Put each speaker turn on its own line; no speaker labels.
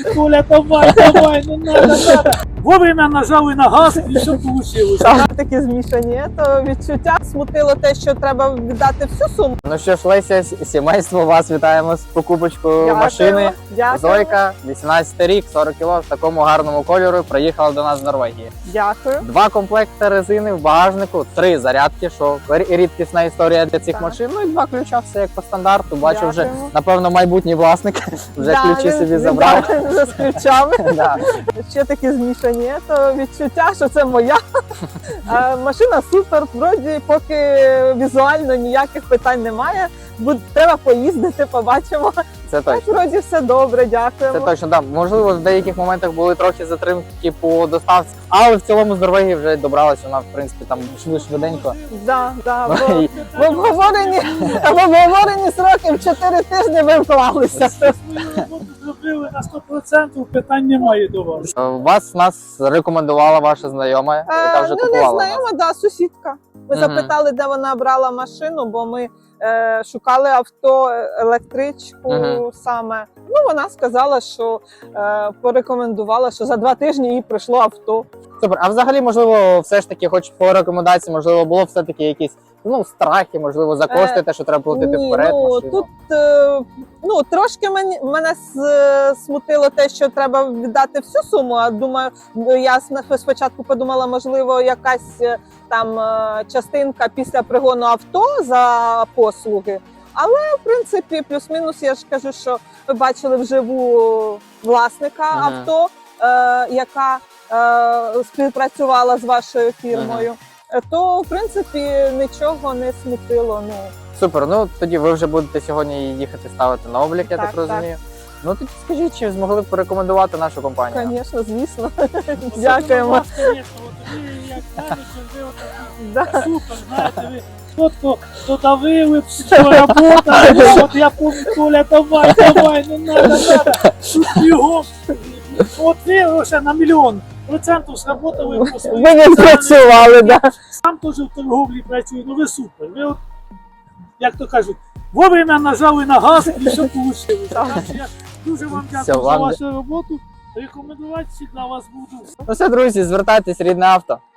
Коля, давай, не надо. Вовремя нажали на газ і все вийшло.
Такі змішані, то відчуття смутило те, що треба віддати всю суму.
Ну що ж, Леся, сімейство, вас вітаємо з покупочкою машини.
Дякую.
Зойка, 18 рік, 40 кг, в такому гарному кольору, приїхала до нас з Норвегії.
Дякую.
2 комплекти резини в багажнику, 3 зарядки, що рідкісна історія для цих
Так.
машин. Ну і 2 ключа, все як по стандарту. Бачу, вже,
Дякуємо.
напевно, майбутній власник вже ключі
він-
собі
він,
забрав.
да, вже з ключами.
Да.
Ще такі змішані, то відчуття, що це моя. Машина супер, вроді поки візуально ніяких питань немає. Треба поїздити, побачимо.
Це
Так,
точно.
вроді все добре, дякуємо.
Це точно, да. Можливо, в деяких моментах були трохи затримки по доставці, але в цілому з Норвегії вже добралася вона, в принципі, там швиденько.
Да,
І-
в обговорені сроки в 4 тижні ви вклалися.
Свою роботу зробили на 100%, питань немає до вас.
Нас рекомендувала ваша знайома, яка вже
Ну, не
купувала. у нас.
знайома, да, сусідка. Ми
Мгм.
запитали, де вона брала машину, бо ми шукали авто, електричку
Мгм.
саме. Ну, вона сказала, що порекомендувала, що за 2 тижні їй прийшло авто.
Супер. А взагалі, можливо, все ж таки, хоч по рекомендації, можливо, було все-таки якісь страхи, можливо, за кошти, те, що треба платити
Ні,
вперед.
ну,
машину.
тут трошки мене смутило те, що треба віддати всю суму. А думаю, я спочатку подумала, можливо, якась там частинка після пригону авто за послуги. Але в принципі, плюс-мінус, я ж кажу, що ви бачили вживу власника
Ага.
авто, яка співпрацювала з вашою фірмою. То в принципі нічого не смутило. Ну
Супер. Ну тоді ви вже будете сьогодні їхати ставити на облік, я так
Так,
розумію. Ну тоді скажіть, чи змогли б порекомендувати нашу компанію?
звісно, звісно.
Особливо
Дякуємо.
вас, звісно, от ви, як менеджер, ви
Да.
отакі супер, знаєте, ви чітко додавили, що робота, от я помню, Коля, давай, не надо, тут бігом. От ви ще на 100% сработали по своїй.
Ви не працювали, да.
Сам теж в торговлі працюю, ну ви супер. Ви от, як то кажуть, вовремя нажали на газ і все вийшло. Так що я дуже вам
Все,
дякую за
вам
вашу роботу. Рекомендувати всі для вас буду.
Ну все, друзі, звертайтесь, рідне авто.